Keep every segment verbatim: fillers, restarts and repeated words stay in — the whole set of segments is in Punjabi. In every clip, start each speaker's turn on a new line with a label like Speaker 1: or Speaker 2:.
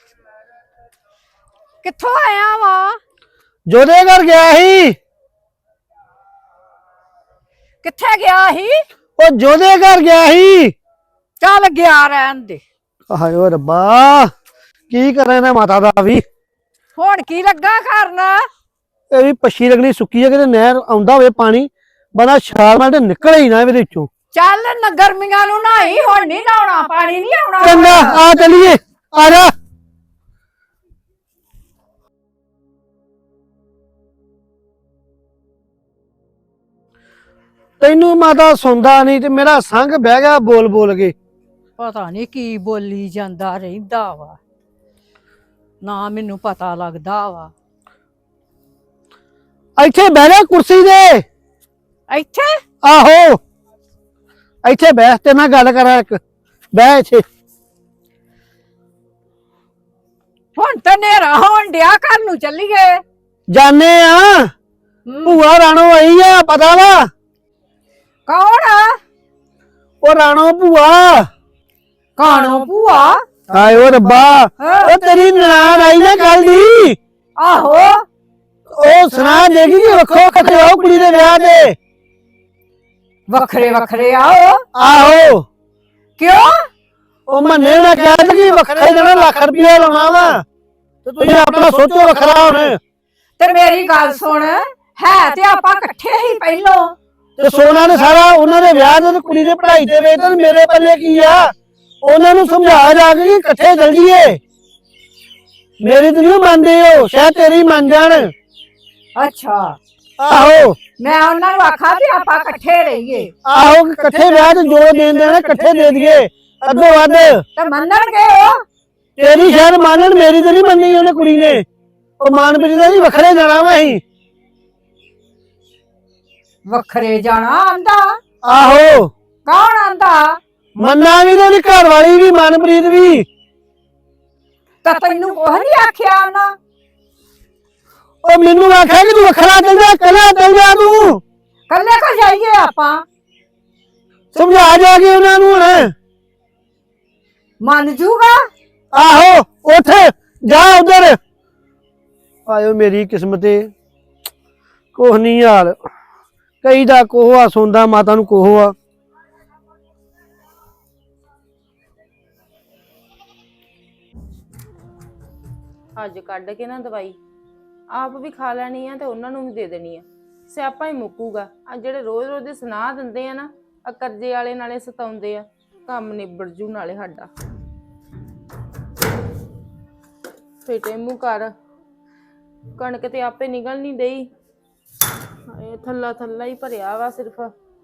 Speaker 1: ਕਿੱਥੋਂ ਆਇਆ ਵਾ?
Speaker 2: ਜੋਦੇ ਘਰ ਗਿਆ ਸੀ।
Speaker 1: ਕਿੱਥੇ ਗਿਆ ਸੀ?
Speaker 2: ਉਹ ਜੋਦੇ ਘਰ ਗਿਆ ਸੀ।
Speaker 1: ਚੱਲ ਗਿਆ ਰਹਿਣ ਦੇ।
Speaker 2: ਹਾਏ ਰੱਬਾ, ਕੀ ਕਰਾਂ ਨਾ ਮਾਤਾ ਦਾ ਵੀ।
Speaker 1: ਹੁਣ ਕੀ ਲੱਗਾ ਕਰਨਾ?
Speaker 2: ਇਹ ਵੀ ਪੱਛੀ ਲੱਗਣੀ ਸੁੱਕੀ ਹੈ, ਕਿਤੇ ਨਹਿਰ ਆਉਂਦਾ ਹੋਵੇ ਪਾਣੀ ਬੰਦਾ ਛਾਲ ਮਾਰ ਤੇ ਨਿਕਲੇ ਹੀ ਨਾ ਇਹਦੇ ਵਿੱਚੋਂ।
Speaker 1: ਚੱਲ ਨਾ ਗਰਮੀਆਂ ਨੂੰ ਨਹਾਈ, ਹੁਣ ਨਹੀਂ ਨਹਾਉਣਾ, ਪਾਣੀ ਨਹੀਂ ਆਉਣਾ।
Speaker 2: ਚੰਗਾ ਆ ਚਲੀਏ, ਆ ਜਾ। ਤੈਨੂੰ ਮਾਤਾ ਸੁਣਦਾ ਨਹੀਂ ਤੇ ਮੇਰਾ ਸੰਗ ਬਹਿ ਗਿਆ ਬੋਲ ਬੋਲ ਕੇ।
Speaker 1: ਪਤਾ ਨਹੀਂ ਕੀ ਬੋਲੀ ਜਾਂਦਾ ਰਹਿੰਦਾ ਵਾ, ਨਾ ਮੈਨੂੰ ਪਤਾ ਲੱਗਦਾ ਵਾ।
Speaker 2: ਇੱਥੇ ਬਹਿ ਜਾ ਕੁਰਸੀ ਦੇ।
Speaker 1: ਇੱਥੇ?
Speaker 2: ਆਹੋ ਇੱਥੇ ਬਹਿ, ਤੇ ਨਾਲ ਗੱਲ ਕਰਾਂ ਇੱਕ। ਬਹਿ ਇੱਥੇ।
Speaker 1: ਹੁਣ ਤਾਂ ਨੇਰਾ ਹੋਣ ਡਿਆ, ਘਰ ਨੂੰ ਚੱਲੀਏ।
Speaker 2: ਜਾਣੇ ਆ, ਭੂਆ ਰਾਣੋ ਆਈ ਆ, ਪਤਾ ਵਾ?
Speaker 1: ਕੌਣ ਆ
Speaker 2: ਉਹ ਰਾਣੋ ਭੂਆ।
Speaker 1: ਕਾਣੋ ਭੂਆ?
Speaker 2: ਹਾਏ ਓ ਰੱਬਾ, ਉਹ ਤੇਰੀ ਨਨਾਣ ਆਈ ਨਾ ਕੱਲ ਦੀ।
Speaker 1: ਆਹੋ,
Speaker 2: ਉਹ ਸੁਣਾ ਦੇਗੀ ਕਿ ਵੱਖੋ ਵੱਖਰੇ ਆਓ ਕੁੜੀ ਦੇ ਵਿਆਹ ਤੇ।
Speaker 1: ਵੱਖਰੇ ਵੱਖਰੇ ਆਓ?
Speaker 2: ਆਹੋ।
Speaker 1: ਕਿਉਂ?
Speaker 2: ਉਹ ਮੰਨੇ ਨਾ ਕਹਿੰਦਾ ਕਿ ਵੱਖਰੇ ਦੇਣਾ ਲੱਖ ਰੁਪਇਆ ਲਾਉਣਾ ਵਾ, ਤੇ ਤੁਸੀਂ ਆਪਣਾ ਸੋਚੋ ਵੱਖਰਾ ਹੁਣ।
Speaker 1: ਤੇ ਮੇਰੀ ਗੱਲ ਸੁਣ, ਹੈ ਤੇ ਆਪਾਂ ਇਕੱਠੇ ਹੀ ਪਹਿਲੋਂ।
Speaker 2: ਤੇ ਸੋਨਾ ਨੇ ਸਾਰਾ ਉਹਨਾਂ ਦੇ ਵਿਆਹ ਦੇ ਤੇ ਕੁੜੀ ਦੇ ਪੜ੍ਹਾਈ ਦੇ ਵੇਚ ਤੇ ਮੇਰੇ ਪੱਲੇ ਕੀ ਆ? ਉਹਨਾਂ ਨੂੰ ਸਮਝਾ ਜਾ ਕੇ ਕਿ ਇਕੱਠੇ ਚੱਲ ਜੀਏ। ਮੇਰੀ ਤੇ ਨਹੀਂ ਮੰਨਦੇ ਹੋ, ਸ਼ਾਇਦ ਤੇਰੀ ਮੰਨ ਜਾਣ।
Speaker 1: ਅੱਛਾ,
Speaker 2: ਆਹੋ
Speaker 1: ਮੈਂ ਉਹਨਾਂ ਨੂੰ ਆਖਾਂ ਵੀ ਆਪਾਂ ਇਕੱਠੇ ਰਹੀਏ।
Speaker 2: ਆਹੋ ਕਿ ਇਕੱਠੇ ਵਿਆਹ ਤੇ ਜੋ ਦੇਣ ਦੇਣਾ ਇਕੱਠੇ ਦੇ ਦਈਏ, ਅੱਧੋ ਵੱਧ।
Speaker 1: ਤੇ ਮੰਨਣਗੇ ਉਹ?
Speaker 2: ਤੇਰੀ ਸ਼ਾਇਦ ਮੰਨਣ, ਮੇਰੀ ਤੇ ਨਹੀਂ ਮੰਨੀ ਉਹਨੇ ਕੁੜੀ ਨੇ। ਉਹ ਮਾਨਪ੍ਰੀਤ ਦਾ ਜੀ ਵੱਖਰੇ ਜਾਣਾ ਵਾ ਅਸੀਂ।
Speaker 1: ਵੱਖਰੇ ਜਾਣਾ ਆਂਦਾ?
Speaker 2: ਆਹੋ।
Speaker 1: ਕੌਣ ਆਂਦਾ?
Speaker 2: ਮੰਨਾ ਵੀ ਤੇ ਉਹਦੀ ਘਰ ਵਾਲੀ ਵੀ, ਮਨਪ੍ਰੀਤ ਵੀ।
Speaker 1: ਤਾਂ ਤੈਨੂੰ ਕੁਝ ਨਹੀਂ ਆਖਿਆ ਉਹਨਾਂ?
Speaker 2: ਉਹ ਮੈਨੂੰ ਆਖਿਆ ਕਿ ਤੂੰ ਵੱਖਰਾ ਚੱਲ ਜਾ, ਕੱਲਾ ਚੱਲ ਜਾ ਤੂੰ।
Speaker 1: ਕੱਲੇ ਕੋ ਜਾਈਏ ਆਪਾਂ?
Speaker 2: ਸਮਝਾ ਜਾ ਕੇ ਉਹਨਾਂ ਨੂੰ ਹੁਣ।
Speaker 1: ਮੰਨ ਜੂਗਾ?
Speaker 2: ਆਹੋ ਉੱਠ ਜਾ ਉਧਰ। ਆਇਓ ਮੇਰੀ ਕਿਸਮਤੇ, ਕੁਛ ਨਹੀਂ ਹਾਲ। ਕਈ ਦਾ ਕੋਹ ਆ, ਸੌਂਦਾ ਮਾਤਾ ਨੂੰ ਕੋਹ ਆ।
Speaker 3: ਅੱਜ ਕੱਢ ਕੇ ਨਾ ਦਵਾਈ ਆਪ ਵੀ ਖਾ ਲੈਣੀ ਆ ਤੇ ਉਹਨਾਂ ਨੂੰ ਵੀ ਦੇ ਦੇਣੀ ਆ। ਸਿਆਪਾ ਹੀ ਮੁੱਕੂਗਾ। ਆ ਜਿਹੜੇ ਰੋਜ਼ ਰੋਜ਼ ਦੇ ਸੁਨਾਹ ਦਿੰਦੇ ਆ ਨਾ, ਆ ਕਰਜ਼ੇ ਵਾਲੇ ਨਾਲੇ ਸਤਾਉਂਦੇ ਆ, ਕੰਮ ਨਿਬੜ ਜੂ ਨਾਲੇ ਸਾਡਾ। ਫੇਟੇ ਮੂੰਹ ਕਰ, ਕਣਕ ਤੇ ਆਪੇ ਨਿਕਲ ਨਹੀਂ ਡਈ। ਇਹ ਥੱਲਾ ਥੱਲਾ ਹੀ ਭਰਿਆ ਵਾ ਸਿਰਫ।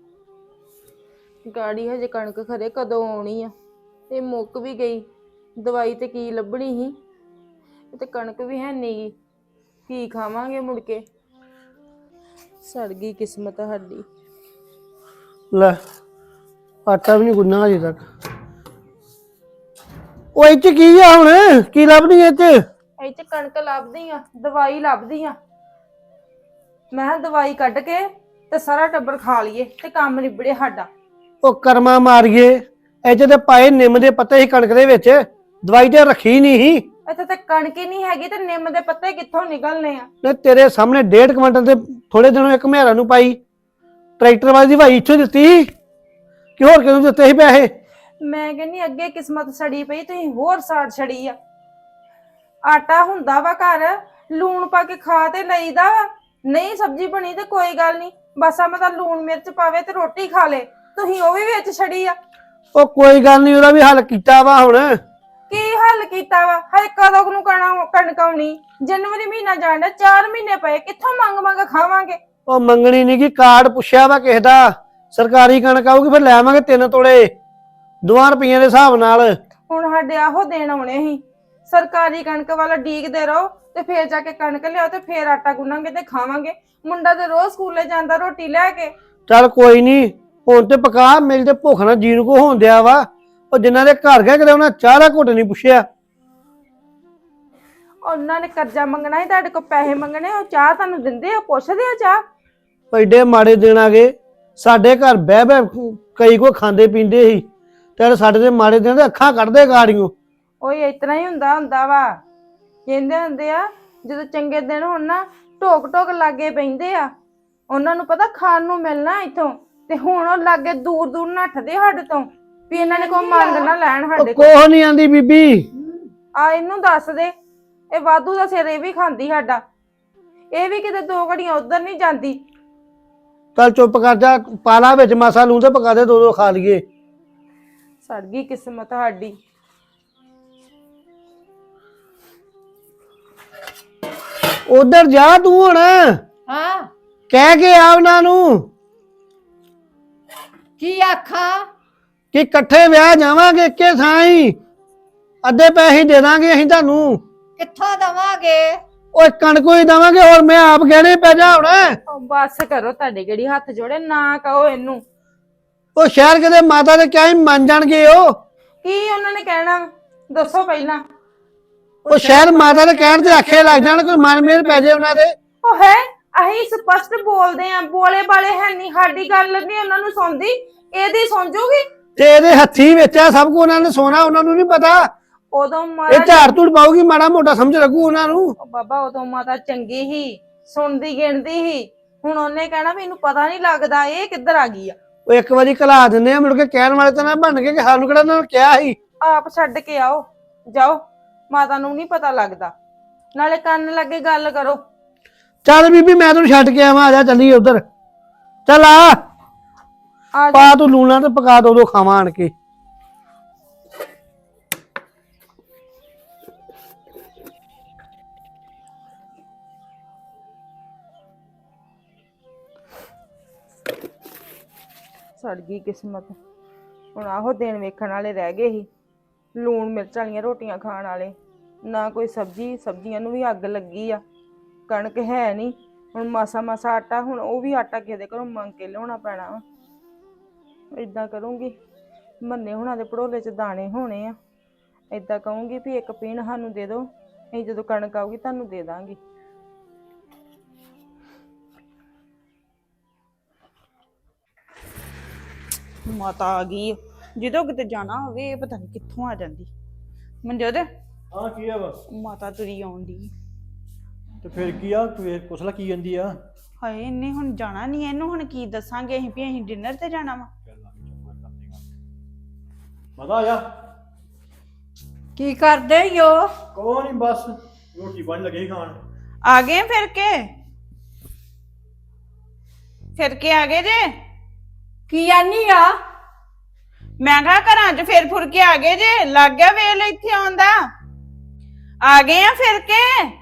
Speaker 3: ਗਾੜੀ ਹਜੇ ਕਣਕ ਖਰੇ ਕਦੋਂ ਆਉਣੀ ਆ। ਇਹ ਮੁੱਕ ਵੀ ਗਈ, ਦਵਾਈ ਤੇ ਕੀ ਲੱਭਣੀ ਸੀ। ਤੇ ਕਣਕ ਵੀ ਹੈ ਨੀ, ਕੀ ਖਾਵਾਂਗੇ ਮੁੜ ਕੇ? ਸੜ ਗਈ ਕਿਸਮਤ ਸਾਡੀ।
Speaker 2: ਲੈ ਆਟਾ ਵੀ ਨਹੀਂ ਗੁੰਨਾ ਅਜੇ ਤੱਕ। ਉਹ ਇਹ ਚ ਕੀ ਆ ਹੁਣ? ਕੀ ਲੱਭਦੀ ਇਹ ਚ?
Speaker 3: ਇਹ ਚ ਕਣਕ ਲੱਭਦੀ ਆ, ਦਵਾਈ ਲੱਭਦੀ ਆ। ਮੈਂ ਕਿਹਾ ਦਵਾਈ ਕੱਢ ਕੇ ਤੇ ਸਾਰਾ ਟੱਬਰ ਖਾ ਲਈਏ ਤੇ ਕੰਮ ਨਿਬੜੇ ਸਾਡਾ।
Speaker 2: ਉਹ ਕਰਮਾ ਮਾਰੀਏ, ਇਹ ਚ ਤੇ ਪਾਏ ਨਿੰਮ ਦੇ ਪੱਤੇ ਸੀ ਕਣਕ ਦੇ ਵਿੱਚ, ਦਵਾਈ ਤੇ ਰੱਖੀ ਨਹੀਂ ਸੀ।
Speaker 3: ਇੱਥੇ ਤੇ ਕਣਕ ਹੀ ਨਹੀਂ ਹੈਗੀ ਤੇ ਨਿੰਮ ਦੇ ਪੱਤੇ ਕਿੱਥੋਂ ਨਿਕਲਨੇ ਆ?
Speaker 2: ਨੇ ਤੇਰੇ ਸਾਹਮਣੇ ਡੇਢ ਕੁਇੰਟਲ ਤੇ ਥੋੜੇ ਦਿਨੋਂ ਇੱਕ ਮਹਿਰਾ ਨੂੰ ਪਾਈ, ਟਰੈਕਟਰ ਵਾਲੀ ਦੀ ਭਾਈ ਇੱਥੋਂ ਦਿੱਤੀ ਕਿ ਹੋਰ ਕਿਹਨੂੰ ਦਿੱਤੇ ਸੀ ਪੈਸੇ?
Speaker 3: ਮੈਂ ਕਹਿੰਨੀ ਅੱਗੇ ਕਿਸਮਤ ਸੜੀ ਪਈ, ਤੁਸੀਂ ਹੋਰ ਸਾੜ ਛੜੀ ਆ। ਆਟਾ ਹੁੰਦਾ ਵਾ ਘਰ, ਲੂਣ ਪਾ ਕੇ ਖਾ ਤੇ ਲਈਦਾ ਵਾ। ਨਹੀਂ ਸਬਜ਼ੀ ਬਣੀ ਤੇ ਕੋਈ ਗੱਲ ਨਹੀਂ, ਬਸ ਆ ਮਤਲਬ ਲੂਣ ਮਿਰਚ ਪਾਵੇ ਤੇ ਰੋਟੀ ਖਾ ਲੇ। ਤੁਸੀਂ ਉਹ ਵੀ ਵਿੱਚ ਛੜੀ ਆ।
Speaker 2: ਉਹ ਕੋਈ ਗੱਲ ਨਹੀਂ, ਉਹਦਾ ਵੀ ਹੱਲ ਕੀਤਾ ਵਾ ਹੁਣ।
Speaker 3: ਕੀ ਹੱਲ ਕੀਤਾ ਵਾ? ਹਜੇ ਕਦੋਂ ਨੂੰ ਕਣਕ ਆਉਣੀ? ਜਨਵਰੀ ਮਹੀਨਾ ਜਾਣਾ, ਚਾਰ ਮਹੀਨੇ ਪਏ, ਕਿੱਥੋਂ ਮੰਗ ਮੰਗ ਖਾਵਾਂਗੇ?
Speaker 2: ਉਹ ਮੰਗਣੀ ਨਹੀਂ ਕਿ ਕਾਰਡ ਪੁੱਛਿਆ ਵਾ ਕਿਸੇ ਦਾ, ਸਰਕਾਰੀ ਕਣਕ ਆਊਗੀ ਫਿਰ ਲੈ ਆਵਾਂਗੇ ਤਿੰਨ ਤੋਲੇ ਦੋਆਂ ਰੁਪਈਆਂ ਦੇ ਹਿਸਾਬ ਨਾਲ।
Speaker 3: ਹੁਣ ਸਾਡੇ ਆਹੋ ਦੇਣ ਆਉਣੇ ਸੀ, ਸਰਕਾਰੀ ਕਣਕ ਵਾਲਾ ਡੀਕਦੇ ਰਹੋ ਤੇ ਫੇਰ ਜਾ ਕੇ ਕਣਕ ਲਿਆਓ ਤੇ ਫੇਰ ਆਟਾ ਗੁੰਨਾਂਗੇ ਤੇ ਖਾਵਾਂਗੇ। ਮੁੰਡਾ ਤੇ ਰੋਜ਼ ਸਕੂਲੇ ਜਾਂਦਾ ਰੋਟੀ ਲੈ ਕੇ।
Speaker 2: ਚੱਲ ਕੋਈ ਨਹੀਂ, ਹੁਣ ਤੇ ਪਕਾ, ਮੇਰੀ ਤੇ ਭੁੱਖ ਨਾਲ ਜੀਣ ਕੋ ਹੋਣ ਦਿਆ ਵਾ। ਉਹ ਜਿਨ੍ਹਾਂ ਦੇ ਘਰ ਗਏ ਕਿਤੇ ਉਹਨਾਂ ਚਾਹ ਦਾ ਘੁੱਟ ਨਹੀਂ ਪੁੱਛਿਆ।
Speaker 3: ਉਹਨਾਂ ਨੇ ਕਰਜ਼ਾ ਮੰਗਣਾ ਸੀ, ਤੁਹਾਡੇ ਕੋਲ ਪੈਸੇ ਮੰਗਣੇ, ਉਹ ਚਾਹ ਤੁਹਾਨੂੰ ਦਿੰਦੇ ਆ? ਪੁੱਛਦੇ ਆ ਚਾਹ?
Speaker 2: ਐਡੇ ਮਾੜੇ ਦਿਨ ਆ ਗਏ ਸਾਡੇ ਘਰ, ਬਹਿ ਬਹਿ ਕਈ ਕੋ ਖਾਂਦੇ ਪੀਂਦੇ ਸੀ, ਤੇ ਸਾਡੇ ਦੇ ਮਾੜੇ ਦਿਨ ਦੇ ਅੱਖਾਂ ਕੱਢਦੇ ਗਾੜੀਆਂ।
Speaker 3: ਓਏ ਇਤਨਾ ਹੀ ਹੁੰਦਾ ਹੁੰਦਾ ਵਾ। ਕਹਿੰਦੇ ਹੁੰਦੇ ਆ ਜਦੋਂ ਚੰਗੇ ਦਿਨ ਹੋਣ ਨਾ ਢੋਕ ਢੋਕ ਲਾਗੇ ਪੈਂਦੇ ਆ। ਉਹਨਾਂ ਨੂੰ ਪਤਾ ਖਾਣ ਨੂੰ ਮਿਲਣਾ ਇੱਥੋਂ, ਤੇ ਹੁਣ ਉਹ ਲਾਗੇ ਦੂਰ ਦੂਰ ਨੱਠਦੇ ਸਾਡੇ ਤੋਂ ਵੀ ਇਹਨਾਂ ਨੇ ਕੋਈ ਮੰਗ ਨਾ ਲੈਣ ਸਾਡੇ ਕੋਲ।
Speaker 2: ਕੋਹ ਨਹੀਂ ਆਂਦੀ ਬੀਬੀ।
Speaker 3: ਆ ਇਹਨੂੰ ਦੱਸ ਦੇ, ਇਹ ਵਾਧੂ ਦਾ ਸਿਰ ਇਹ ਵੀ ਖਾਂਦੀ ਸਾਡਾ। ਇਹ ਵੀ ਕਿਤੇ ਦੋ ਘੜੀਆਂ ਉਧਰ ਨਹੀਂ ਜਾਂਦੀ।
Speaker 2: ਚੱਲ ਚੁੱਪ ਕਰ ਜਾ, ਪਾਲਾ ਵਿੱਚ ਮਾਸਾ ਲੂਣ ਤੇ ਪਕਾ ਦੇ, ਦੋ ਦੋ ਖਾ ਲਈਏ।
Speaker 3: ਸੜ ਗਈ ਕਿਸਮਤ ਸਾਡੀ।
Speaker 2: ਉਧਰ ਜਾ ਤੂੰ ਹੁਣ,
Speaker 1: ਹਾਂ
Speaker 2: ਕਹਿ ਕੇ ਆ ਉਹਨਾਂ ਨੂੰ
Speaker 1: ਕੀ ਆਖਾਂ?
Speaker 2: ਕਿ ਇਕੱਠੇ ਵਿਆਹ ਜਾਵਾਂਗੇ ਇੱਕੇ ਥਾਂ ਹੀ, ਅੱਧੇ ਪੈਸੇ ਦੇ ਦਾਂਗੇ ਅਸੀਂ ਤੁਹਾਨੂੰ।
Speaker 1: ਕਿੱਥੋਂ ਦਵਾਂਗੇ?
Speaker 2: ਓਏ ਕਣਕੋ ਹੀ ਦੇਵਾਂਗੇ, ਹੋਰ ਮੈਂ ਆਪ ਗਹਿਣੇ ਪੈ ਜਾ ਹੁਣ।
Speaker 3: ਉਹ ਬਸ ਕਰੋ, ਤੁਹਾਡੇ ਕਿਹੜੀ ਹੱਥ ਜੋੜੇ, ਨਾ ਕਹੋ ਇਹਨੂੰ।
Speaker 2: ਉਹ ਸ਼ਹਿਰ ਕਿਤੇ ਮਾਤਾ ਦੇ ਕਿਹਾ ਹੀ ਮੰਨ ਜਾਣਗੇ। ਉਹ
Speaker 3: ਕੀ ਉਹਨਾਂ ਨੇ ਕਹਿਣਾ ਦੱਸੋ ਪਹਿਲਾਂ।
Speaker 2: ਉਹ ਸ਼ਹਿਰ ਮਾਤਾ ਦੇ ਕਹਿਣ ਤੇ ਆਖੇ ਲੱਗ ਜਾਣ, ਕੋਈ ਮਨ ਮੇਰ ਪੈ ਜਾਏ ਉਹਨਾਂ ਦੇ।
Speaker 3: ਉਹ ਹੈ ਅਸੀਂ ਸਪਸ਼ਟ ਬੋਲਦੇ ਆ, ਬੋਲੇ ਬਾਲੇ ਹੈ ਨਹੀਂ, ਸਾਡੀ ਗੱਲ ਨਹੀਂ ਉਹਨਾਂ ਨੂੰ ਸੁਣਦੀ, ਇਹਦੀ ਸੁਣ ਜੂਗੀ।
Speaker 2: ਤੇ ਇਹਦੇ ਹੱਥੀ ਵਿੱਚ ਆ ਸਭ ਕੁ, ਉਹਨਾਂ ਨੇ ਸੋਨਾ, ਉਹਨਾਂ ਨੂੰ ਨਹੀਂ ਪਤਾ।
Speaker 3: ਉਦੋਂ
Speaker 2: ਇਹ
Speaker 3: ਮਾਤਾ
Speaker 2: ਝਾੜ ਧੂੜ ਪਾਉਗੀ, ਮਾੜਾ ਮੋਟਾ ਸਮਝ ਲੱਗੂ ਉਹਨਾਂ ਨੂੰ।
Speaker 3: ਉਹ ਬਾਬਾ ਉਦੋਂ ਮਾਤਾ ਚੰਗੀ ਹੀ, ਸੁਣਦੀ ਗਿਣਦੀ ਹੀ। ਹੁਣ ਉਹਨੇ ਕਹਿਣਾ ਵੀ ਇਹਨੂੰ ਪਤਾ ਨਹੀਂ ਲੱਗਦਾ ਇਹ ਕਿੱਧਰ ਆ ਗਈ ਆ।
Speaker 2: ਉਹ ਇੱਕ ਵਾਰੀ ਘਲਾ ਦਿੰਦੇ ਆ, ਮੁੜ ਕੇ ਕਹਿਣ ਵਾਲੇ ਤਾਂ ਨਾ ਬਣ ਕੇ ਕਿ ਸਾਨੂੰ ਕਿਹੜਾ ਉਹਨਾਂ ਨੇ ਕਿਹਾ ਸੀ।
Speaker 3: ਆਪ ਛੱਡ ਕੇ ਆਓ, ਜਾਓ, ਮਾਤਾ ਨੂੰ ਨਹੀਂ ਪਤਾ ਲੱਗਦਾ। ਨਾਲੇ ਕੰਨ ਲੱਗੇ ਗੱਲ ਕਰੋ।
Speaker 2: ਚੱਲ ਬੀਬੀ ਮੈਂ ਤੈਨੂੰ ਛੱਡ ਕੇ ਆਵਾਂ, ਆ ਜਾ ਚੱਲੀਏ ਉਧਰ। ਚੱਲ ਆ
Speaker 3: ਆ
Speaker 2: ਪਾ ਤੂੰ ਲੂਣਾ ਤੇ ਪਕਾ ਦੋ, ਦੋ ਖਾਵਾਂ ਆਣ ਕੇ।
Speaker 3: ਸੜ ਗਈ ਕਿਸਮਤ। ਹੁਣ ਆਹੋ ਦਿਨ ਵੇਖਣ ਵਾਲੇ ਰਹਿ ਗਏ ਸੀ, ਲੂਣ ਮਿਰਚ ਵਾਲੀਆਂ ਰੋਟੀਆਂ ਖਾਣ ਵਾਲੇ। ਨਾ ਕੋਈ ਸਬਜ਼ੀ, ਸਬਜ਼ੀਆਂ ਨੂੰ ਵੀ ਅੱਗ ਲੱਗੀ ਆ। ਕਣਕ ਹੈ ਨਹੀਂ, ਹੁਣ ਮਾਸਾ ਮਾਸਾ ਆਟਾ, ਹੁਣ ਉਹ ਵੀ ਆਟਾ ਕਿਸੇ ਦੇ ਘਰੋਂ ਮੰਗ ਕੇ ਲਿਆਉਣਾ ਪੈਣਾ ਵਾ। ਏਦਾਂ ਕਰੂੰਗੀ, ਮੰਨੇ ਹੁਣਾਂ ਦੇ ਭੜੋਲੇ 'ਚ ਦਾਣੇ ਹੋਣੇ ਆ। ਏਦਾਂ ਕਹੂੰਗੀ ਵੀ ਇੱਕ ਪੀਣ ਸਾਨੂੰ ਦੇ ਦਿਓ, ਅਸੀਂ ਜਦੋਂ ਕਣਕ ਆਊਗੀ ਤੁਹਾਨੂੰ ਦੇ ਦਾਂਗੇ। ਮਾਤਾ ਆ ਗਈ, ਜਦੋਂ ਕਿਤੇ ਜਾਣਾ ਹੋਵੇ ਇਹ ਪਤਾ ਨਹੀਂ ਕਿੱਥੋਂ ਆ ਜਾਂਦੀ। ਮਨਜੋਤ
Speaker 4: ਹਾਂ ਕੀ ਆ ਵਾ?
Speaker 3: ਮਾਤਾ ਤੁਰੀ ਆਉਂਦੀ।
Speaker 4: ਤੇ ਫਿਰ ਕੀ ਆ, ਤੂੰ ਇਹ ਪੁੱਛ ਲੈ ਕੀ ਜਾਂਦੀ ਆ।
Speaker 3: ਹਾਏ ਇਹਨੇ ਹੁਣ ਜਾਣਾ ਨਹੀਂ, ਇਹਨੂੰ ਹੁਣ ਕੀ ਦੱਸਾਂਗੇ ਅਸੀਂ ਵੀ ਅਸੀਂ ਡਿਨਰ ਤੇ ਜਾਣਾ ਵਾ।
Speaker 4: ਮਜ਼ਾ ਆਇਆ?
Speaker 1: ਕੀ ਕਰਦੇ ਈਓ?
Speaker 4: ਕੋਈ ਨਹੀਂ, ਬਸ ਰੋਟੀ ਬਣ ਲੱਗੇ ਖਾਣ।
Speaker 3: ਆ ਗਏ ਫਿਰ ਕੇ ਫਿਰ ਕੇ ਆ ਗਏ ਜੇ?
Speaker 1: ਕੀ ਆਨੀ ਆ?
Speaker 3: ਮੈਂ ਕਿਹਾ ਘਰਾਂ 'ਚ ਫਿਰ ਫੁਰ ਕੇ ਆ ਗਏ ਜੇ, ਲੱਗ ਗਿਆ ਵੇਲ ਇੱਥੇ ਆਉਂਦਾ। ਆ ਗਏ ਆ ਫਿਰ ਕੇ,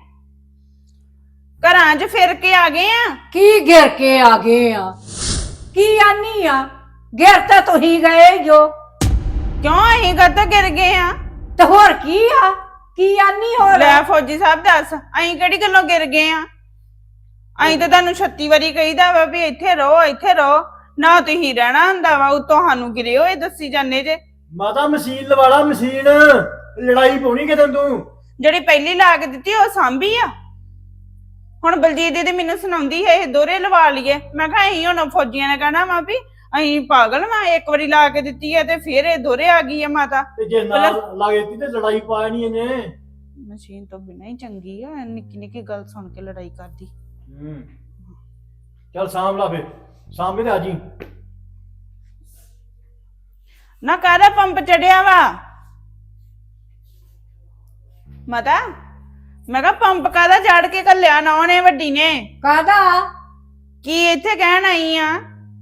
Speaker 3: ਘਰਾਂ 'ਚ ਫਿਰ ਕੇ ਆ ਗਏ ਆ।
Speaker 1: ਕੀ ਘਿਰ ਕੇ ਆ ਗਏ ਆ? ਕੀ ਆਨੀ ਆ? ਘਿਰ ਤਾਂ ਤੁਸੀਂ ਗਏ ਜੋ।
Speaker 3: ਕਿਉਂ ਅਸੀਂ ਕਦੋਂ ਗਿਰ ਗਏ ਆ?
Speaker 1: ਤੇ ਹੋਰ ਕੀ ਆ? ਕੀ ਆਨੀ ਹੋਰ?
Speaker 3: ਲੈ ਫੌਜੀ ਸਾਹਿਬ ਦੱਸ, ਅਸੀਂ ਕਿਹੜੀ ਗੱਲੋਂ ਗਿਰ ਗਏ ਆ? ਅਸੀਂ ਤਾਂ ਤੁਹਾਨੂੰ ਛੱਤੀ ਵਾਰੀ ਕਹੀਦਾ ਵਾ ਵੀ ਇੱਥੇ ਰਹੋ, ਇੱਥੇ ਰਹੋ, ਨਾ ਤੁਸੀਂ ਰਹਿਣਾ ਹੁੰਦਾ ਵਾ, ਉਤੋਂ ਸਾਨੂੰ ਗਿਰੇ ਹੋਏ ਦੱਸੀ ਜਾਂਦੇ ਜੇ।
Speaker 4: ਮਾਤਾ ਮਸ਼ੀਨ ਲਵਾ ਲਾ, ਮਸ਼ੀਨ ਲੜਾਈ ਪਾਉਣੀ ਕਿਤੇ ਤੂੰ।
Speaker 3: ਜਿਹੜੀ ਪਹਿਲੀ ਲਾ ਕੇ ਦਿੱਤੀ ਉਹ ਸਾਂਭੀ ਆ। ਹੁਣ ਬਲਜੀਤ ਦੀਦੀ ਮੈਨੂੰ ਸੁਣਾਉਂਦੀ ਹੈ ਇਹ ਦੋਰੇ ਲਵਾ ਲਈਏ। ਮੈਂ ਕਿਹਾ ਅਸੀਂ ਹੁਣ ਫੌਜੀਆਂ ਨੇ ਕਹਿਣਾ ਵਾ ਵੀ ਅਸੀਂ ਪਾਗਲ ਵਾ, ਇੱਕ ਵਾਰੀ ਲਾ ਕੇ ਦਿੱਤੀ ਹੈ ਤੇ ਫਿਰ ਇਹ ਦੋਰੇ ਆ ਗਈ ਆ ਮਾਤਾ।
Speaker 4: ਤੇ ਜੇ ਨਾ ਲਾ ਕੇ ਦਿੱਤੀ ਤੇ ਲੜਾਈ ਪਾ ਨਹੀਂ ਇਹਨੇ।
Speaker 3: ਮਸ਼ੀਨ ਤੋਂ ਬਿਨਾਂ ਹੀ ਚੰਗੀ ਆ, ਨਿੱਕੀ ਨਿੱਕੀ ਗੱਲ ਸੁਣ ਕੇ ਲੜਾਈ ਕਰਦੀ।
Speaker 4: ਹੂੰ ਚੱਲ ਸਾਂਭ ਲਾ ਫਿਰ, ਸਾਂਭ ਕੇ ਤੇ ਆ ਜੀ।
Speaker 3: ਨਾ ਕਾਹਦਾ ਪੰਪ ਚੜਿਆ ਵਾ ਮਾਤਾ? ਮੈਂ ਕਿਹਾ ਪੰਪ ਕਾਹਦਾ ਚੜ ਕੇ ਘੱਲਿਆ ਨਾ ਉਹਨੇ ਵੱਡੀ ਨੇ?
Speaker 1: ਕਾਹਦਾ?
Speaker 3: ਕੀ ਇੱਥੇ ਕਹਿਣ ਆਈ ਆ?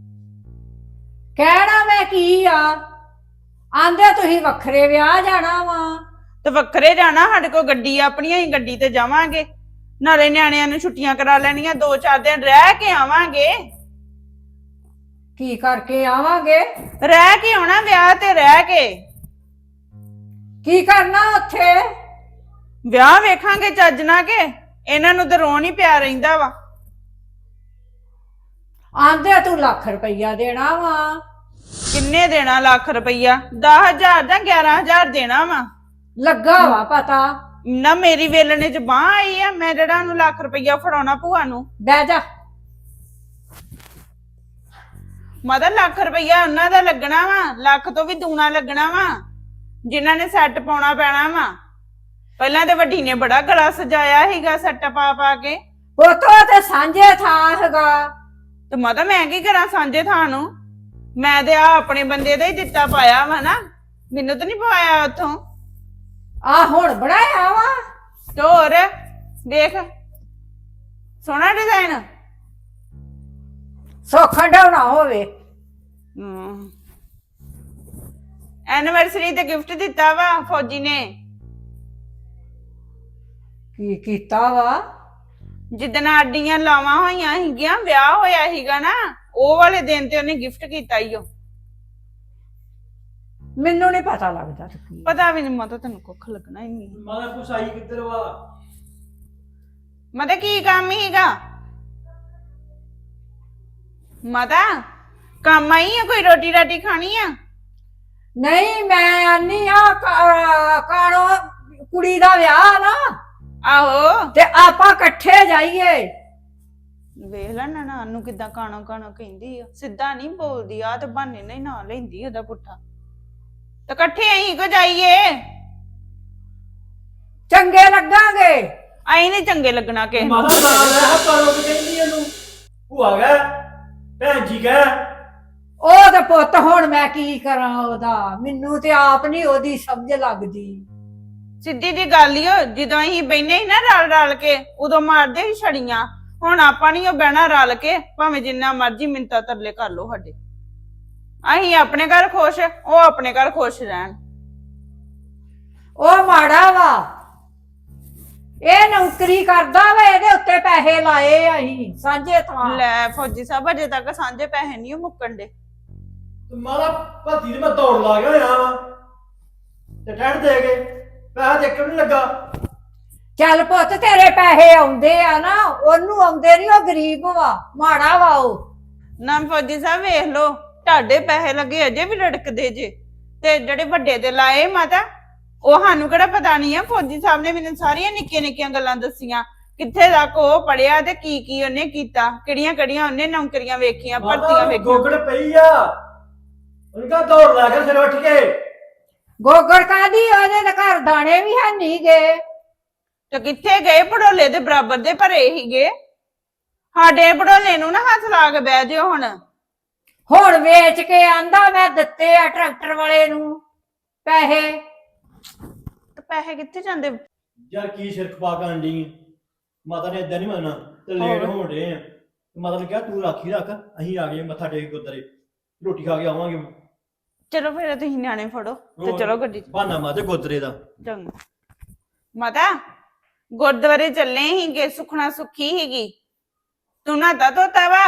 Speaker 1: ਕਹਿਣਾ ਮੈਂ ਕੀ ਆ? ਆਂਦੇ ਤੁਸੀਂ ਵੱਖਰੇ ਵਿਆਹ ਜਾਣਾ ਵਾ।
Speaker 3: ਤੇ ਵੱਖਰੇ ਜਾਣਾ, ਸਾਡੇ ਕੋਲ ਗੱਡੀ ਆਪਣੀ, ਅਸੀਂ ਗੱਡੀ ਤੇ ਜਾਵਾਂਗੇ। ਨਾਲੇ ਨਿਆਣਿਆਂ ਨੂੰ ਛੁੱਟੀਆਂ ਕਰਾ ਲੈਣੀਆਂ, ਦੋ ਚਾਰ ਦਿਨ ਰਹਿ ਕੇ ਆਵਾਂਗੇ।
Speaker 1: ਕੀ ਕਰਕੇ ਆਵਾਂਗੇ?
Speaker 3: ਰਹਿ ਕੇ ਆਉਣਾ, ਵਿਆਹ ਤੇ ਰਹਿ ਕੇ।
Speaker 1: ਕੀ ਕਰਨਾ ਉੱਥੇ?
Speaker 3: ਵਿਆਹ ਵੇਖਾਂਗੇ ਚੱਜ ਨਾ ਕੇ, ਇਹਨਾਂ ਨੂੰ ਤਾਂ ਰੋਣ ਹੀ ਪਿਆ ਰਹਿੰਦਾ ਵਾ।
Speaker 1: ਆਂਦੇ ਤੂੰ ਲੱਖ ਰੁਪਈਆ ਦੇਣਾ ਵਾ।
Speaker 3: ਕਿੰਨੇ ਦੇਣਾ ਲੱਖ ਰੁਪਈਆ? ਦਸ ਹਜ਼ਾਰ ਜਾਂ ਗਿਆਰਾਂ ਹਜ਼ਾਰ ਦੇਣਾ ਵਾ।
Speaker 1: ਲੱਗਾ ਵਾ ਪਤਾ।
Speaker 3: ਨਾ ਮੇਰੀ ਵੇਲਣੇ ਚ ਬਾਂਹ ਆਈ ਆ, ਮੈਂ ਜਿਹੜਾ ਉਹਨੂੰ ਲੱਖ ਰੁਪਈਆ ਫੜਾਉਣਾ ਭੂਆ ਨੂੰ।
Speaker 1: ਬਹਿ ਜਾ।
Speaker 3: ਮਾਤਾ ਲੱਖ ਰੁਪਈਆ ਉਹਨਾਂ ਦਾ ਲੱਗਣਾ ਵਾ, ਲੱਖ ਤੋਂ ਵੀ ਦੂਣਾ ਲੱਗਣਾ ਵਾ।
Speaker 5: ਜਿਨ੍ਹਾਂ ਨੇ ਸੈੱਟ ਪਾਉਣਾ ਪੈਣਾ ਵਾ। ਪਹਿਲਾਂ ਤੇ ਵੱਡੀ ਨੇ ਬੜਾ ਗਲਾ ਸਜਾਇਆ ਸੀਗਾ ਸੈੱਟ ਪਾ ਪਾ ਕੇ।
Speaker 1: ਪੁੱਤੋ ਤੇ ਸਾਂਝੇ ਥਾਂ ਹੈਗਾ।
Speaker 5: ਤੇ ਮਾਤਾ ਮੈਂ ਕੀ ਕਰਾਂ ਸਾਂਝੇ ਥਾਂ ਨੂੰ? ਮੈਂ ਤੇ ਆ ਆਪਣੇ ਬੰਦੇ ਦਾ ਹੀ ਦਿੱਤਾ ਪਾਇਆ ਵਾ ਨਾ, ਮੈਨੂੰ ਤਾਂ ਨਹੀਂ ਪਾਇਆ ਉੱਥੋਂ।
Speaker 1: ਆ ਹੁਣ ਬਣਾਇਆ ਵਾ।
Speaker 5: ਤੇ ਹੋਰ ਦੇਖ ਸੋਹਣਾ ਡਿਜ਼ਾਈਨ।
Speaker 1: ਸੌਖਾ ਢਾਉਣਾ ਹੋਵੇ।
Speaker 5: ਹਮ ਐਨੀਵਰਸਰੀ ਤੇ ਗਿਫਟ ਦਿੱਤਾ ਵਾ ਫੌਜੀ ਨੇ।
Speaker 1: ਕੀ ਕੀਤਾ ਵਾ?
Speaker 5: ਜਿੱਦਣ ਆਡੀਆਂ ਲਾਵਾਂ ਹੋਈਆਂ ਸੀਗੀਆਂ, ਵਿਆਹ ਹੋਇਆ ਸੀਗਾ ਨਾ, ਉਹ ਵਾਲੇ ਦਿਨ ਤੇ ਉਹਨੇ ਗਿਫਟ ਕੀਤਾ ਈ। ਉਹ
Speaker 1: ਮੈਨੂੰ ਨਹੀਂ ਪਤਾ ਲੱਗਦਾ।
Speaker 5: ਪਤਾ ਵੀ ਨਹੀਂ ਮਾਤਾ, ਤੈਨੂੰ ਕੁੱਖ ਲੱਗਣਾ ਹੀ ਨਹੀਂ।
Speaker 4: ਮਾਤਾ ਪੁਸਾਈ ਕਿੱਧਰ ਵਾ?
Speaker 5: ਮਾਤਾ ਕੀ ਕੰਮ ਹੀਗਾ? ਮਾਤਾ ਕੰਮ ਆਈ ਆ? ਕੋਈ ਰੋਟੀ ਰਾਟੀ ਖਾਣੀ ਆ?
Speaker 1: ਨਹੀਂ ਮੈਂ ਆਨੀ ਆ ਕਾਣੋ ਕੁੜੀ ਦਾ ਵਿਆਹ ਨਾ,
Speaker 5: ਆਹੋ
Speaker 1: ਤੇ ਆਪਾਂ ਇਕੱਠੇ ਜਾਈਏ।
Speaker 5: ਵੇਖ ਲੈ ਨਾ ਨੂੰ ਕਿਦਾਂ ਕਾਣਾ ਕਾਣਾ ਕਹਿੰਦੀ ਆ, ਸਿੱਧਾ ਨਹੀਂ ਬੋਲਦੀ। ਆ ਤੇ ਬਹਾਨੇ ਨਾਲ ਹੀ ਨਾਂ ਲੈਂਦੀ ਉਹਦਾ ਪੁੱਠਾ। ਤੇ ਇਕੱਠੇ ਅਸੀਂ ਕੋ ਜਾਈਏ?
Speaker 1: ਚੰਗੇ ਲੱਗਾਂਗੇ।
Speaker 5: ਅਸੀਂ ਨਹੀਂ ਚੰਗੇ ਲੱਗਣਾ ਕਿਸੇ ਨੂੰ।
Speaker 4: ਮਾਤਾ ਨਾਲ ਹੈ ਪਾਰੋ ਕਿ ਕਹਿੰਦੀ ਇਹਨੂੰ ਭੂਆ ਗਏ ਭੈਣ ਜੀ ਗਏ।
Speaker 1: ਉਹ ਤੇ ਪੁੱਤ ਹੁਣ ਮੈਂ ਕੀ ਕਰਾਂ ਉਹਦਾ, ਮੈਨੂੰ ਤੇ ਆਪ ਨਹੀਂ ਉਹਦੀ ਸਮਝ ਲੱਗਦੀ।
Speaker 5: ਸਿੱਧੀ ਜੀ ਗੱਲ ਹੀ। ਜਦੋਂ ਅਸੀਂ ਬੈਨੇ ਸੀ ਨਾ ਰਲ ਰਲ ਕੇ, ਉਦੋਂ ਮਾਰਦੇ ਸੀ ਛੜੀਆਂ। ਹੁਣ ਆਪਾਂ ਨਹੀਂ ਉਹ ਬਹਿਣਾ ਰਲ ਕੇ, ਭਾਵੇਂ ਜਿੰਨਾ ਮਰਜ਼ੀ ਮਿੰਤਾ ਤਰਲੇ ਕਰ ਲੋ ਸਾਡੇ। ਅਸੀਂ ਆਪਣੇ ਘਰ ਖੁਸ਼, ਉਹ ਆਪਣੇ ਘਰ ਖੁਸ਼ ਰਹਿਣ।
Speaker 1: ਉਹ ਮਾੜਾ ਵਾ, ਇਹ ਨੌਕਰੀ ਕਰਦਾ ਵਾ, ਇਹਦੇ ਉੱਤੇ ਪੈਸੇ ਲਾਏ ਅਸੀਂ ਸਾਂਝੇ ਥਾਂ।
Speaker 5: ਲੈ ਫੌਜੀ ਸਾਹਿਬ ਅਜੇ ਤੱਕ ਸਾਂਝੇ ਪੈਸੇ ਨਹੀਂ ਮੁੱਕਣ ਦੇ।
Speaker 4: ਮਾਤਾ ਭੱਤੀ ਤੇ ਮੈਂ ਦੌੜ ਲਾ ਗਿਆ ਹੋਇਆ ਵਾ ਤੇ ਠੰਡ ਦੇ ਕੇ ਪੈਸਾ ਦੇਖ ਕੇ ਨਹੀਂ ਲੱਗਾ।
Speaker 1: ਚੱਲ ਪੁੱਤ ਤੇਰੇ ਪੈਸੇ ਆਉਂਦੇ ਆ ਨਾ, ਉਹਨੂੰ ਆਉਂਦੇ ਨਹੀਂ, ਉਹ ਗਰੀਬ ਵਾ, ਮਾੜਾ ਵਾ ਉਹ।
Speaker 5: ਨਾ ਫੌਜੀ ਸਾਹਿਬ ਵੇਖ ਲੋ, ਤੁਹਾਡੇ ਪੈਸੇ ਲੱਗੇ ਅਜੇ ਵੀ ਲੜਕਦੇ ਜੇ, ਤੇ ਜਿਹੜੇ ਵੱਡੇ ਤੇ ਲਾਏ ਮਾਤਾ, ਉਹ ਸਾਨੂੰ ਕਿਹੜਾ ਪਤਾ ਨਹੀਂ ਆ। ਫੌਜੀ ਸਾਹਿਬ ਨੇ ਮੈਨੂੰ ਸਾਰੀਆਂ ਨਿੱਕੀਆਂ ਨਿੱਕੀਆਂ ਗੱਲਾਂ ਦੱਸੀਆਂ, ਕਿੱਥੇ ਤੱਕ ਉਹ ਪੜਿਆ ਤੇ ਕੀ ਕੀ ਉਹਨੇ ਕੀਤਾ, ਕਿਹੜੀਆਂ ਕਿਹੜੀਆਂ ਉਹਨੇ ਨੌਕਰੀਆਂ ਵੇਖੀਆਂ, ਭਰਤੀਆਂ ਵੇਖੀਆਂ।
Speaker 4: ਗੋਗੜ ਪਈ ਆ, ਉਹਨੇ ਕਹਾ ਦੌੜ ਲਾ ਕੇ ਸਿਰ ਉੱਠ ਕੇ।
Speaker 1: ਗੋਗੜ ਕਾਦੀ? ਉਹਦੇ ਤੇ ਘਰ ਦਾਣੇ ਵੀ ਹੈ ਨਹੀਂ ਗਏ।
Speaker 5: ਤੇ ਕਿੱਥੇ ਗਏ? ਪੜੋਲੇ ਦੇ ਬਰਾਬਰ ਦੇ ਭਰੇ ਹੀਗੇ। ਸਾਡੇ ਪੜੋਲੇ ਨੂੰ ਨਾ ਹੱਥ ਲਾ ਕੇ ਬਹਿ ਜਿਓ। ਹੁਣ
Speaker 1: ਹੁਣ ਵੇਚ ਕੇ ਆਂਦਾ ਮੈਂ ਦਿੱਤੇ ਆ ਟਰੈਕਟਰ ਵਾਲੇ ਨੂੰ ਪੈਸੇ।
Speaker 5: ਤੇ ਪੈਸੇ ਕਿੱਥੇ ਜਾਂਦੇ?
Speaker 4: ਯਾਰ ਕੀ ਸਿਰ ਖਪਾ ਕੇ ਆਂਡੀ ਮਾਤਾ ਨੇ ਏਦਾਂ ਨਹੀਂ ਮੰਨਣਾ ਤੇ ਲੇਟ ਹੋਣ ਡੇ ਆ। ਮਾਤਾ ਨੇ ਕਿਹਾ ਤੂੰ ਰਾਖੀ ਰੱਖ, ਅਸੀਂ ਆ ਗਏ ਮੱਥਾ ਟੇਕ ਗੁਰਦੁਆਰੇ, ਰੋਟੀ ਖਾ ਕੇ ਆਵਾਂਗੇ।
Speaker 5: ਚਲੋ ਫਿਰ ਤੁਸੀਂ ਨਿਆਣੇ ਫੜੋ ਤੇ ਚਲੋ ਗੱਡੀ ਚ।
Speaker 4: ਬਹਾਨਾ ਮਾਤੇ ਗੁਰਦੁਆਰੇ ਦਾ।
Speaker 5: ਚੰਗਾ ਮਾਤਾ, ਗੁਰਦੁਆਰੇ ਚੱਲੇ ਹੀਗੇ, ਸੁਖਣਾ ਸੁੱਖੀ ਹੀਗੀ। ਤੂੰ ਨਾਤਾ ਧੋਤਾ ਵਾ?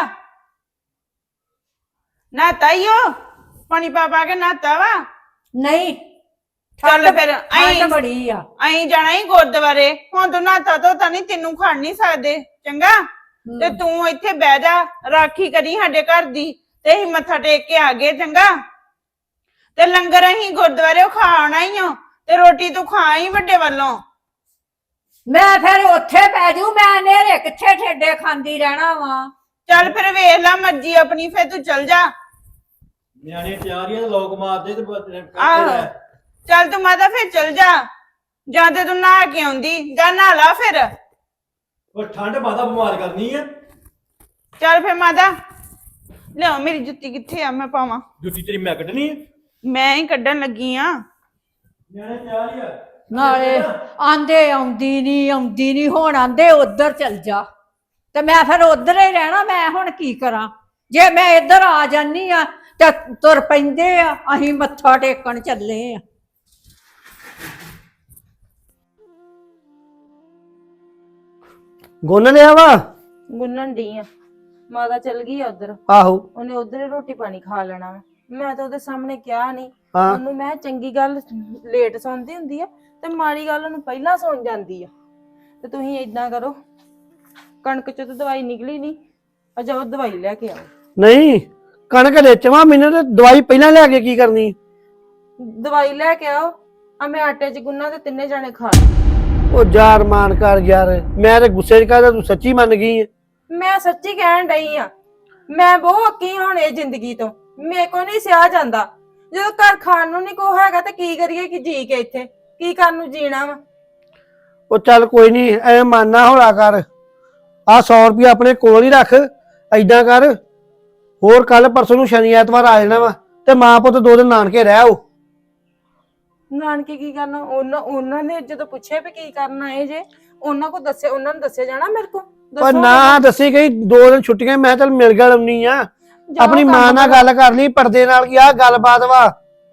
Speaker 5: ਨਾਤਾ ਈ ਓ ਪਾਣੀ ਪਾ ਪਾ ਕੇ ਨਾਤਾ ਵਾ?
Speaker 1: ਨਹੀਂ
Speaker 5: ਚੱਲ ਫਿਰ
Speaker 1: ਠੰਡ
Speaker 5: ਅਸੀਂ
Speaker 1: ਬੜੀ ਆ।
Speaker 5: ਅਸੀਂ ਜਾਣਾ ਹੀ ਗੁਰਦੁਆਰੇ। ਹੁਣ ਤੂੰ ਨਾਤਾ ਧੋਤਾ ਨਹੀਂ, ਤੈਨੂੰ ਖੜ ਨਹੀਂ ਸਕਦੇ ਚੰਗਾ। ਤੇ ਤੂੰ ਇੱਥੇ ਬਹਿ ਜਾ, ਰਾਖੀ ਕਰੀ ਸਾਡੇ ਘਰ ਦੀ, ਤੇ ਅਸੀਂ ਮੱਥਾ ਟੇਕ ਕੇ ਆ ਗਏ ਚੰਗਾ। ਤੇ ਲੰਗਰ ਅਸੀਂ ਗੁਰਦੁਆਰੇ ਖਾਣਾ ਹੀ ਓ, ਤੇ ਰੋਟੀ ਤੂੰ ਖਾ ਹੀ ਵੱਡੇ ਵੱਲੋਂ।
Speaker 1: ਮੈਂ ਫਿਰ ਉੱਥੇ ਪੈ ਜੂ, ਮੈਂ ਨੇਰੇ ਕਿੱਥੇ ਠੇਡੇ ਖਾਂਦੀ ਰਹਿਣਾ ਵਾ।
Speaker 5: ਚੱਲ ਫਿਰ ਵੇਖ ਲੈ ਮਰਜ਼ੀ ਆਪਣੀ, ਫਿਰ ਤੂੰ ਚੱਲ ਜਾ।
Speaker 4: ਨਿਆਣੇ ਤਿਆਰ ਹੀ ਆ ਤੇ ਲੋਕ ਮਾਰਦੇ ਤੇ
Speaker 5: ਆਹੋ ਚੱਲ ਤੂੰ ਮਾਤਾ ਫਿਰ ਚੱਲ ਜਾ, ਜਾਂ ਤੇ ਤੂੰ ਨਹਾ ਕੇ ਆਉਂਦੀ, ਜਾਂ ਨਹਾ ਲਾ ਫਿਰ।
Speaker 4: ਉਹ ਠੰਡ ਮਾਤਾ ਬਿਮਾਰ ਕਰਨੀ ਆ।
Speaker 5: ਚੱਲ ਫਿਰ ਮਾਤਾ ਲਿਆਓ, ਮੇਰੀ ਜੁੱਤੀ ਕਿੱਥੇ ਆ, ਮੈਂ ਪਾਵਾਂ।
Speaker 4: ਜੁੱਤੀ ਤੇਰੀ ਮੈਂ ਕੱਢਣੀ ਆ।
Speaker 5: ਮੈਂ ਹੀ ਕੱਢਣ ਲੱਗੀ ਆ।
Speaker 4: ਨਿਆਣੇ ਤਿਆਰ ਹੀ ਆ।
Speaker 1: ਨਾਲੇ ਆਂਦੇ ਆਉਂਦੀ ਨਹੀਂ ਆਉਂਦੀ ਨਹੀਂ, ਹੁਣ ਆਂਦੇ ਉਧਰ ਚੱਲ ਜਾ, ਤੇ ਮੈਂ ਫਿਰ ਉਧਰ ਹੀ ਰਹਿਣਾ। ਮੈਂ ਹੁਣ ਕੀ ਕਰਾਂ? ਜੇ ਮੈਂ ਇੱਧਰ ਆ ਜਾਨੀ ਆ ਤੇ ਤੁਰ ਪੈਂਦੇ ਆ, ਅਸੀਂ ਮੱਥਾ ਟੇਕਣ ਚੱਲੇ ਆ।
Speaker 2: ਗੁੰਨ ਲਿਆ ਵਾ?
Speaker 3: ਗੁੰਨਣ ਦੀ ਆ। ਮਾਤਾ ਚਲ ਗਈ ਆ ਉਧਰ,
Speaker 2: ਆਹੋ
Speaker 3: ਉਹਨੇ ਉਧਰ ਹੀ ਰੋਟੀ ਪਾਣੀ ਖਾ ਲੈਣਾ ਵਾ। ਮੈਂ ਤਾਂ ਉਹਦੇ ਸਾਹਮਣੇ ਕਿਹਾ ਨਹੀਂ
Speaker 2: ਹਾਂ।
Speaker 3: ਉਹਨੂੰ, ਮੈਂ ਚੰਗੀ ਗੱਲ ਲੇਟ ਸੌਂਦੀ ਹੁੰਦੀ ਆ ਤੇ ਮਾੜੀ ਗੱਲ ਉਹਨੂੰ ਪਹਿਲਾਂ ਸੌਂ ਜਾਂਦੀ ਆ। ਤੇ ਤੁਸੀਂ ਏਦਾਂ ਕਰੋ, ਕਣਕ ਚ ਤਾਂ ਦਵਾਈ ਨਿਕਲੀ ਨਹੀਂ, ਅਜਾ ਉਹ ਦਵਾਈ ਲੈ ਕੇ ਆਓ।
Speaker 2: ਨਹੀਂ ਕਣਕ ਵੇਚਵਾ, ਮੈਨੂੰ ਤੇ ਦਵਾਈ ਪਹਿਲਾਂ ਲੈ ਕੇ ਕੀ ਕਰਨੀ?
Speaker 3: ਦਵਾਈ ਲੈ ਕੇ ਆਓ, ਆ ਮੈਂ ਆਟੇ ਚ ਗੁੰਨਾ ਤੇ ਤਿੰਨੇ ਜਾਣੇ ਖਾ ਲਓ।
Speaker 2: ਉਹ ਯਾਰ ਮਾਨ ਕਰ ਯਾਰ, ਮੈਂ ਤੇ ਗੁੱਸੇ ਚ ਕਹਦਾ, ਤੂੰ ਸੱਚੀ ਮੰਨ ਗਈ ਹੈ।
Speaker 3: ਮੈਂ ਸੱਚੀ ਕਹਿਣ ਡਈ ਆ, ਮੈਂ ਬਹੁਤ ਅੱਕੀ ਹੁਣ ਇਹ ਜ਼ਿੰਦਗੀ ਤੋਂ, ਮੇਰੇ ਕੋ ਨਹੀਂ ਸਿਆ ਜਾਂਦਾ। ਜਦੋਂ ਘਰ ਖਾਣ ਨੂੰ ਨਹੀਂ ਕੋ ਹੈਗਾ ਤੇ ਕੀ ਕਰੀਏ ਕਿ ਜੀ ਕੇ ਇੱਥੇ ਕੀ ਕਰਨ ਨੂੰ ਜੀਣਾ ਵਾ।
Speaker 2: ਉਹ ਚੱਲ ਕੋਈ ਨਹੀਂ ਐ ਮਾਨਾ ਹੌਲਾ ਕਰ। ਆ ਸੌ ਰੁਪਇਆ ਆਪਣੇ ਕੋਲ ਹੀ ਰੱਖ। ਐਦਾਂ ਕਰ, ਹੋਰ ਕੱਲ ਪਰਸੋਂ ਨੂੰ ਸ਼ਨੀ ਐਤਵਾਰ ਆ ਜਾਣਾ ਵਾ ਤੇ ਮਾਂ ਪੁੱਤ ਦੋ ਦਿਨ ਨਾਨਕੇ ਰਹਿ ਆਓ।
Speaker 3: ਨਾਨਕੇ ਕੀ ਕਰਨਾ? ਉਹਨਾਂ ਉਹਨਾਂ ਨੇ ਜਦੋਂ ਪੁੱਛਿਆ ਵੀ ਕੀ ਕਰਨਾ ਇਹ ਜੇ ਉਹਨਾਂ ਕੋ ਦੱਸਿਆ, ਉਹਨਾਂ ਨੂੰ ਦੱਸਿਆ ਜਾਣਾ ਮੇਰੇ ਕੋ
Speaker 2: ਪਰ ਨਾ ਦੱਸੀ ਗਈ ਦੋ ਦਿਨ ਛੁੱਟੀਆਂ, ਮੈਂ ਚੱਲ ਮਿਲ ਗਿਆ ਆਉਣੀ ਆ। ਆਪਣੀ ਮਾਂ ਨਾਲ ਗੱਲ ਕਰ ਲਈ ਪਰਦੇ ਨਾਲ ਕੀ ਆ ਗੱਲਬਾਤ ਵਾ।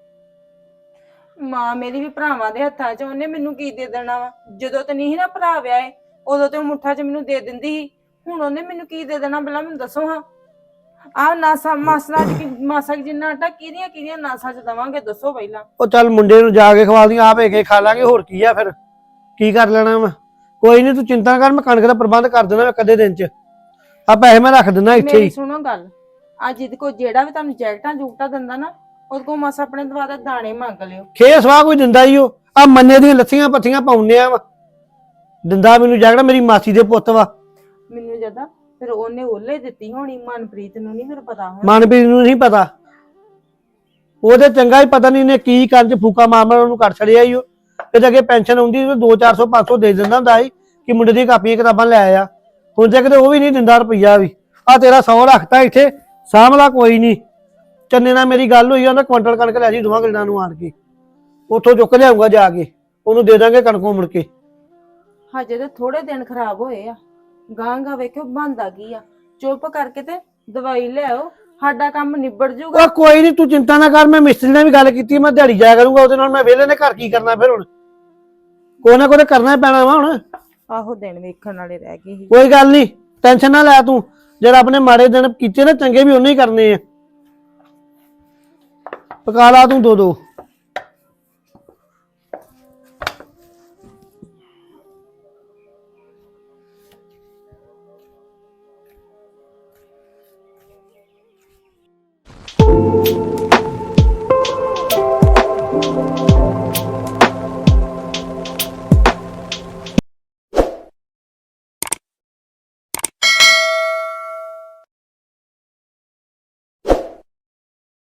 Speaker 3: ਮਾਂ ਮੇਰੀ ਵੀ ਭਰਾਵਾਂ ਦੇ ਹੱਥਾਂ 'ਚ, ਉਹਨੇ ਮੈਨੂੰ ਕੀ ਦੇ ਦੇਣਾ ਵਾ? ਜਦੋਂ ਤੇ ਨਹੀਂ ਨਾ ਭਰਾ ਵਿਆਹੇ ਉਦੋਂ ਤੇ ਉਹ ਮੁੱਠਾਂ 'ਚ ਮੈਨੂੰ ਦੇ ਦਿੰਦੀ ਸੀ, ਹੁਣ ਉਹਨੇ ਮੈਨੂੰ ਕੀ ਦੇ ਦੇਣਾ ਪਹਿਲਾਂ ਮੈਨੂੰ ਦੱਸੋ ਹਾਂ। ਆਹ ਨਾਸਾ ਮਾਸਾ ਮਾਸਾ ਜਿੰਨਾ ਆਟਾ ਕਿਹਦੀਆਂ ਕਿਹਦੀਆਂ ਨਾਸਾਂ 'ਚ ਦਵਾਂਗੇ ਦੱਸੋ ਪਹਿਲਾਂ।
Speaker 2: ਉਹ ਚੱਲ ਮੁੰਡੇ ਨੂੰ ਜਾ ਕੇ ਖਵਾ ਦੀਆਂ, ਆਪ ਕੇ ਖਾ ਲਾਂਗੇ, ਹੋਰ ਕੀ ਆ ਫਿਰ ਕੀ ਕਰ ਲੈਣਾ ਵਾ। ਕੋਈ ਨਹੀਂ ਤੂੰ ਚਿੰਤਾ ਕਰ, ਮੈਂ ਕਣਕ ਦਾ ਪ੍ਰਬੰਧ ਕਰ ਦੇਣਾ ਮੈਂ ਕਦੇ ਦਿਨ 'ਚ। ਆ ਪੈਸੇ ਮੈਂ ਰੱਖ ਦਿੰਦਾ ਇੱਥੇ
Speaker 3: ਮੇਰੀ
Speaker 2: ਹੀ।
Speaker 3: ਸੁਣੋ ਗੱਲ, ਅੱਜ ਜਿਹਦੇ ਕੋ ਜਿਹੜਾ ਵੀ ਤੁਹਾਨੂੰ ਜੈਕਟਾਂ ਜੂਕਟਾਂ ਦਿੰਦਾ ਨਾ ਉਹਦੇ ਕੋ ਮਾਸਾ ਆਪਣੇ ਦਵਾ ਦਾ ਦਾਣੇ ਮੰਗ ਲਿਓ।
Speaker 2: ਖੇ ਸਵਾਹ ਕੋਈ ਦਿੰਦਾ ਹੀ ਉਹ ਆ ਮੰਨੇ ਦੀਆਂ ਲੱਥੀਆਂ ਪੱਥੀਆਂ ਪਾਉਂਦੇ ਆ ਵਾ ਦਿੰਦਾ ਮੈਨੂੰ ਜੈਕਟ, ਮੇਰੀ ਮਾਸੀ ਦੇ ਪੁੱਤ ਵਾ।
Speaker 3: ਮੈਨੂੰ ਜਦਾ ਫਿਰ ਉਹਨੇ ਉਹਲੇ ਦਿੱਤੀ ਹੋਣੀ, ਮਨਪ੍ਰੀਤ ਨੂੰ ਨਹੀਂ ਫਿਰ ਪਤਾ ਹੋਣਾ।
Speaker 2: ਮਨਪ੍ਰੀਤ ਨੂੰ ਨਹੀਂ ਪਤਾ, ਉਹਦੇ ਚੰਗਾ ਹੀ ਪਤਾ ਨਹੀਂ ਨੇ ਕੀ ਕਰਨ ਚ ਫੂਕਾ ਮਾਮਲਾ ਉਹਨੂੰ ਕਰ ਛੜਿਆ ਹੀ ਉਹ। ਤੇ ਅੱਗੇ ਪੈਨਸ਼ਨ ਆਉਂਦੀ ਉਹ ਦੋ ਚਾਰ ਸੌ ਪੰਜ ਸੌ ਦੇ ਦਿੰਦਾ ਹੁੰਦਾ ਸੀ ਕਿ ਮੁੰਡੇ ਦੀ ਕਾਪੀਆਂ ਕਿਤਾਬਾਂ ਲੈ ਆ। ਹੁਣ ਤੇ ਕਿਤੇ ਉਹ ਵੀ ਨਹੀਂ ਦਿੰਦਾ ਰੁਪਈਆ ਵੀ। ਆ ਤੇਰਾ ਸੌ ਰੱਖਤਾ ਇੱਥੇ, ਸਾਂਭਲਾ ਕੋਈ ਨਹੀਂ। ਚੰਨੇ ਨਾਲ ਮੇਰੀ ਗੱਲ ਹੋਈ, ਉਹਨੇ ਕੁਆਂਟਲ ਕਣਕ ਲੈ ਜੀ ਦੋਵਾਂ ਗੱਲਾਂ ਨੂੰ ਆਣ ਕੇ, ਉੱਥੋਂ ਚੁੱਕ ਲਿਆਊਗਾ ਜਾ ਕੇ, ਉਹਨੂੰ ਦੇ ਦਾਂਗੇ ਕਣਕੋਂ ਮੁੜ ਕੇ।
Speaker 3: ਹਜੇ ਤੇ ਥੋੜੇ ਦਿਨ ਖਰਾਬ ਹੋਏ ਆ, ਗਾਂ ਗਾਂ ਵੇਖਿਓ ਬੰਦਾ ਕੀ ਆ। ਚੁੱਪ ਕਰਕੇ ਤੇ ਦਵਾਈ ਲਿਆਓ, ਸਾਡਾ ਕੰਮ ਨਿਬੜ ਜੂਗਾ।
Speaker 2: ਉਹ ਕੋਈ ਨਹੀਂ ਤੂੰ ਚਿੰਤਾ ਨਾ ਕਰ, ਮੈਂ ਮਿਸਤਰੀ ਨਾਲ ਵੀ ਗੱਲ ਕੀਤੀ, ਮੈਂ ਦਿਹਾੜੀ ਜਾਇਆ ਕਰੂੰਗਾ ਉਹਦੇ ਨਾਲ। ਮੈਂ ਵਿਹਲੇ ਨੇ ਘਰ ਕੀ ਕਰਨਾ ਫਿਰ, ਹੁਣ ਕੋਈ ਨਾ ਕੋਈ ਕਰਨਾ ਪੈਣਾ ਵਾ ਹੁਣ।
Speaker 3: ਆਹੋ ਦਿਨ ਵੇਖਣ ਵਾਲੇ ਰਹਿ ਗਏ ਸੀ।
Speaker 2: ਕੋਈ ਗੱਲ ਨਹੀਂ, ਟੈਨਸ਼ਨ ਨਾ ਲੈ ਤੂੰ। ਜਿਹੜਾ ਆਪਣੇ ਮਾੜੇ ਦਿਨ ਕੀਤੇ ਨਾ ਚੰਗੇ ਵੀ ਉਹਨੇ ਹੀ ਕਰਨੇ ਆ। ਪਕਾ ਲਾ ਤੂੰ ਦੋ ਦੋ।